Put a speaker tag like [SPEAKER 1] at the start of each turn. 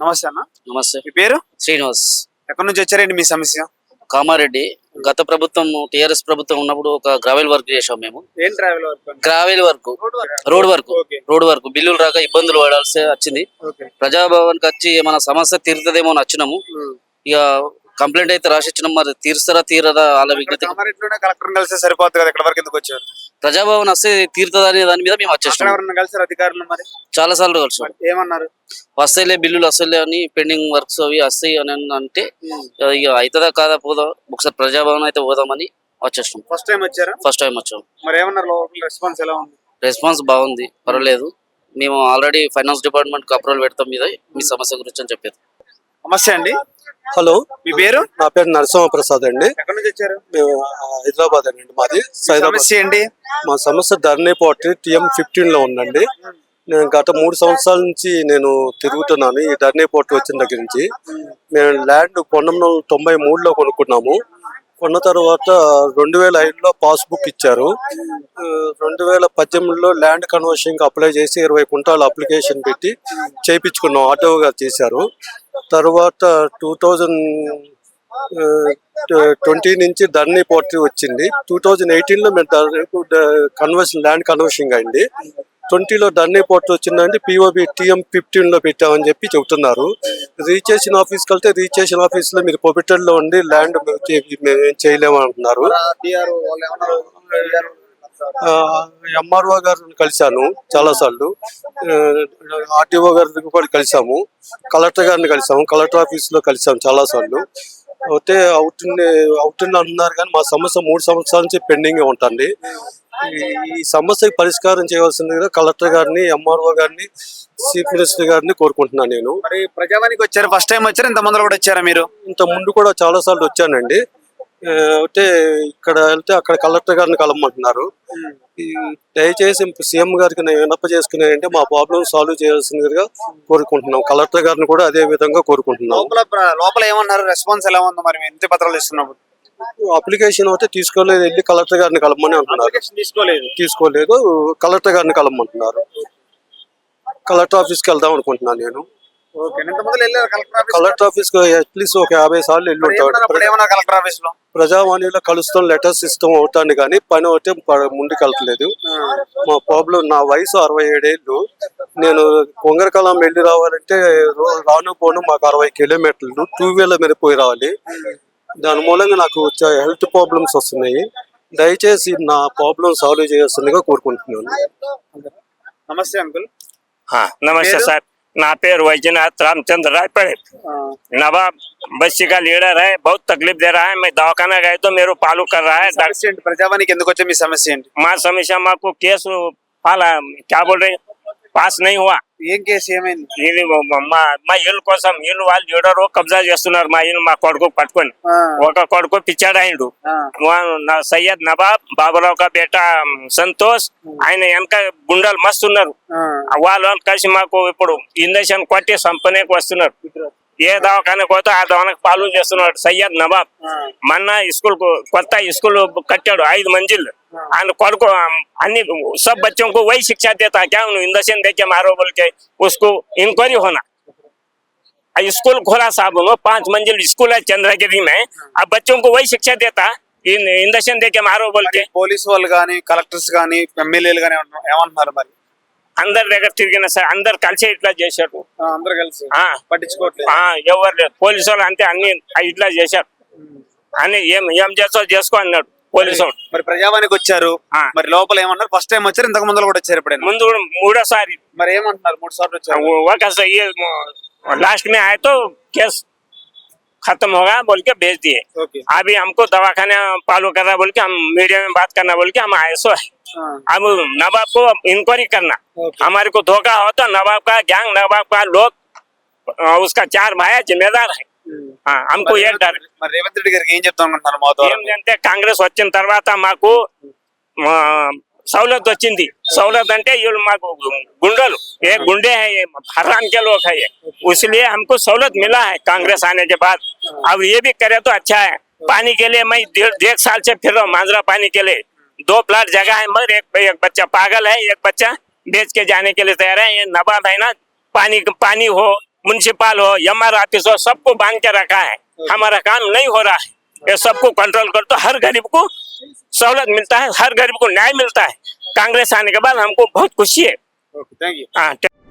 [SPEAKER 1] నమస్తే అన్న.
[SPEAKER 2] నమస్తే.
[SPEAKER 1] మీ పేరు?
[SPEAKER 2] శ్రీనివాస్.
[SPEAKER 1] ఎక్కడి నుంచి వచ్చారండి మీ సమస్య?
[SPEAKER 2] కామారెడ్డి. గత ప్రభుత్వం టీఆర్ఎస్ ప్రభుత్వం ఉన్నప్పుడు ఒక గ్రావెల్ వర్క్ చేసాం మేము.
[SPEAKER 1] ఏం travel work?
[SPEAKER 2] Gravel work,
[SPEAKER 1] okay.
[SPEAKER 2] Road work బిల్లులు రాక ఇబ్బందులు పడాల్సి వచ్చింది.
[SPEAKER 1] ఓకే.
[SPEAKER 2] ప్రజాభవన్ కి వచ్చి ఏమైనా సమస్య తీరుతుందేమో అని వచ్చినాము. ఇక కంప్లైంట్ అయితే రాసిచ్చినాం, మరి తీరుస్తారా తీరదా వాళ్ళ విజ్ఞత.
[SPEAKER 1] కామారెడ్డిలోనే కలెక్టర్ కలిసి సరిపోతుంది కదా, ఇక్కడ వరకు ఎందుకు వచ్చారు?
[SPEAKER 2] ప్రజాభవన్ వస్తే తీరుతుందా అనే దాని మీద మేము వచ్చేసాం.
[SPEAKER 1] ఎవరన్నా కలిసారు అధికారులు? మరి
[SPEAKER 2] చాలా సార్లు కలిసాం.
[SPEAKER 1] ఏమన్నారు?
[SPEAKER 2] వస్తాయిలే బిల్లులు వస్తాయిలే అని, పెండింగ్ వర్క్స్ అవి వస్తాయి అని అంటే ఇక అవుతుందా కాదా పోదాం ఒకసారి ప్రజాభవన్ అయితే పోదామని వచ్చేసాం.
[SPEAKER 1] ఫస్ట్ టైం వచ్చారా?
[SPEAKER 2] ఫస్ట్ టైం వచ్చాం.
[SPEAKER 1] మరి ఏమన్నారు? రెస్పాన్స్ ఎలా ఉంది?
[SPEAKER 2] రెస్పాన్స్ బాగుంది, పర్వాలేదు. మేము ఆల్రెడీ ఫైనాన్స్ డిపార్ట్మెంట్ కి అప్రూవల్ పెడతాం మీద మీ సమస్య గురించి అని చెప్పారు.
[SPEAKER 1] నమస్తే అండి.
[SPEAKER 3] హలో,
[SPEAKER 1] మీ పేరు?
[SPEAKER 3] నా పేరు నరసింహ ప్రసాద్ అండి.
[SPEAKER 1] ఎక్కడి నుంచి వచ్చారు?
[SPEAKER 3] మేము హైదరాబాద్ అండి. మాది
[SPEAKER 1] సమస్య ఏంటి?
[SPEAKER 3] మా సమస్య ధరణి పోర్ట్ TM15 లో ఉందండి. నేను గత 3 సంవత్సరాల నుంచి నేను తిరుగుతున్నాను ఈ ధరణి పోర్ట్ వచ్చిన దగ్గర నుంచి. మేము ల్యాండ్ 1993లో కొనుక్కున్నాము. కొన్న తర్వాత 2005లో పాస్బుక్ ఇచ్చారు. 2018లో ల్యాండ్ కన్వర్షన్ కి అప్లై చేసి 20 కుంటాల అప్లికేషన్ పెట్టి చేయించుకున్నాం. ఆటో గారు చేశారు. తర్వాత 2020 నుంచి ధరణి పోర్ట్ వచ్చింది. 2018లో మేము ల్యాండ్ కన్వర్షన్ అయింది. 20లో ధరణి పోర్ట్ వచ్చిందంటే POB TM15 లో పెట్టామని చెప్పి చెబుతున్నారు. రిజిస్ట్రేషన్ ఆఫీస్కి వెళ్తే రిజిస్ట్రేషన్ ఆఫీస్ లో మీరు పొబిటల్ లో ఉండి ల్యాండ్ చేయలేము అంటున్నారు. MRO గారిని కలిశాను చాలా సార్లు, RTO గారిని కూడా కలిసాము, కలెక్టర్ గారిని కలిసాము, కలెక్టర్ ఆఫీస్ లో కలిసాము చాలా సార్లు. అయితే అవుతుంది అంటున్నారు కానీ మా సమస్య 3 సంవత్సరాల నుంచి పెండింగ్ ఉంటుంది. ఈ సమస్యకి పరిష్కారం చేయవలసిందిగా కలెక్టర్ గారిని, MRO గారిని, చీఫ్ మినిస్టర్ గారిని కోరుకుంటున్నాను నేను.
[SPEAKER 1] మరి ప్రజావానికి వచ్చారు, ఫస్ట్ టైం వచ్చారు? ఇంత మంది కూడా వచ్చారా మీరు?
[SPEAKER 3] ఇంత ముందు కూడా చాలా సార్లు వచ్చానండి. అయితే ఇక్కడ వెళ్తే అక్కడ కలెక్టర్ గారిని కలవమంటున్నారు. దయచేసి సీఎం గారికి నేను విన్నప చేసుకున్నానంటే మా ప్రాబ్లమ్ సాల్వ్ చేయాల్సిందిగా కోరుకుంటున్నాం. కలెక్టర్ గారిని కూడా అదే విధంగా కోరుకుంటున్నాం.
[SPEAKER 1] లోపల ఏమన్నారు? రెస్పాన్స్ ఎలా ఉంది? మరి ఇంటి పత్రాలు ఇస్తున్నప్పుడు
[SPEAKER 3] అప్లికేషన్ అయితే తీసుకోలేదు, వెళ్ళి కలెక్టర్ గారిని కలవమని అంటున్నారు. తీసుకోలేదు, కలెక్టర్ గారిని కలవమంటున్నారు. కలెక్టర్ ఆఫీస్కి వెళ్దాం అనుకుంటున్నాను నేను. కలెక్టర్ ఆఫీస్ కి అట్లీస్ట్ ఒక 50 సార్లు వెళ్ళి ఉంటాడు.
[SPEAKER 1] కలెక్టర్ ఆఫీస్ లో
[SPEAKER 3] ప్రజావాణిలో కలుస్తాం, లెటర్స్ ఇస్తాం అవుతాను కానీ పని అయితే ముందుకు వెళ్తలేదు. మా ప్రాబ్లం, నా వయసు 67 ఏళ్ళు. నేను కొంగరకాలం వెళ్ళి రావాలంటే రాను పోను మాకు 60 కిలోమీటర్లు 2 వీలర్ మీద పోయి రావాలి. దాని మూలంగా నాకు హెల్త్ ప్రాబ్లమ్స్ వస్తున్నాయి. దయచేసి నా ప్రాబ్లం సాల్వ్ చేయాల్సిందిగా కోరుకుంటున్నాను.
[SPEAKER 1] నమస్తే అంకుల్.
[SPEAKER 4] नमस्ते सर, ना पेर वैजनाथ रामचंद्र रायपड़े, नवाब बस्ती का लीडर है। बहुत तकलीफ दे रहा है। मैं दवाखाना गए तो मेरे पालू कर रहा है।
[SPEAKER 1] ప్రజావానికి ఎందుకు వచ్చే మీ సమస్య ఏంటి?
[SPEAKER 4] माँ समस्या माँ को केस पाला क्या बोल रहे పాస్ नहीं हुआ.
[SPEAKER 1] ఏం కేసు? ఏమైంది?
[SPEAKER 4] మా ఇల్లు కోసం ఇల్లు వాళ్ళు లీడర్ కబ్జా చేస్తున్నారు. మా ఇల్లు మా కొడుకు పట్టుకొని ఒక కొడుకు పిచ్చాడాయిండు. సయ్యద్ నవాబ్ బాబురావు కా బేటా సంతోష్, ఆయన వెనక గుండాలు మస్తు ఉన్నారు. వాళ్ళు కలిసి మాకు ఇప్పుడు ఇంజక్షన్ కొట్టి సంపనేకి వస్తున్నారు. ఏ దవాఖానకు పోతే ఆ దవాఖానకు పాలు చేస్తున్నాడు సయ్యద్ నవాబ్. మొన్న स्कूल కొత్త स्कूल కట్టాడు 5 मंजिल. ఆయన కొడుకు अन्य सब बच्चों को वही शिक्षा देता क्या इंजेक्शन देके मारो बोल के उसको इंक्वायरी होना. स्कूल खोला साहब, 5 मंजिल स्कूल है चंद्रगिरी में. अब बच्चों को वही शिक्षा देता इंजेक्शन देके मारो बोल के.
[SPEAKER 1] పోలీసు వాళ్ళు కానీ, కలెక్టర్స్ కానీ, ఎమ్మెల్యేలు కానీ ఏమంటున్నారు? మరి
[SPEAKER 4] అందరి దగ్గర తిరిగిన సార్, అందరు కలిసి ఇట్లా చేశారు.
[SPEAKER 1] అందరు కలిసి పట్టించుకోవట్లేదు.
[SPEAKER 4] ఎవరు లేదు, పోలీసు వాళ్ళు అంతే అన్ని ఇట్లా చేశారు అని. ఏం చేస్తావు చేసుకో అన్నాడు పోలీసు వాళ్ళు.
[SPEAKER 1] మరి ప్రజావానికి వచ్చారు, మరి లోపల ఏమన్నారు? ఫస్ట్ టైం వచ్చారు, ఇంతకు ముందు కూడా వచ్చారు? ఇప్పుడు
[SPEAKER 4] ముందు కూడా 3వ సారి.
[SPEAKER 1] మరి ఏమంటున్నారు? 3 సార్లు వచ్చారు.
[SPEAKER 4] लास्ट में आए तो केस खत्म होगा बोल के भेज दिए. अभी हमको दवाखाना पालू कर रहा बोल के, हम मीडिया में बात करना बोल के हम आए सो है. अब नवाब को इंक्वायरी करना. हमारे को धोखा हो तो नवाब का गैंग, नवाब का लोग, उसका 4 भाई जिम्मेदार है. हमको ये डर.
[SPEAKER 1] రేవంత్ రెడ్డి గారికి ఏం చెప్తా అనుకుంటున్నారు?
[SPEAKER 4] ఏంటంటే కాంగ్రెస్ వచ్చిన తర్వాత మాకు सहूलत వచ్చింది. सहूलत అంటే వీళ్ళు మాకు गुंडल, ये गुंडे हैं, ये हराम के लोग है ये, इसलिए हमको सहूलत मिला है कांग्रेस आने के बाद. अब ये भी करे तो अच्छा है. पानी के लिए मैं 1.5 साल से फिर रहा हूँ मांजरा पानी के लिए. 2 प्लाट जगह है, मगर एक बच्चा पागल है, एक बच्चा बेच के जाने के लिए तैयार है. ये नवाब है ना, पानी हो म्युनिसिपल हो MR ऑफिस हो, सबको बांध के रखा है। हमारा काम नहीं हो रहा है। ये सबको कंट्रोल कर तो हर गरीब को सहूलत मिलता है, हर गरीब को न्याय मिलता है। कांग्रेस आने के बाद हमको बहुत खुशी है।
[SPEAKER 1] थैंक यू
[SPEAKER 4] हाँ।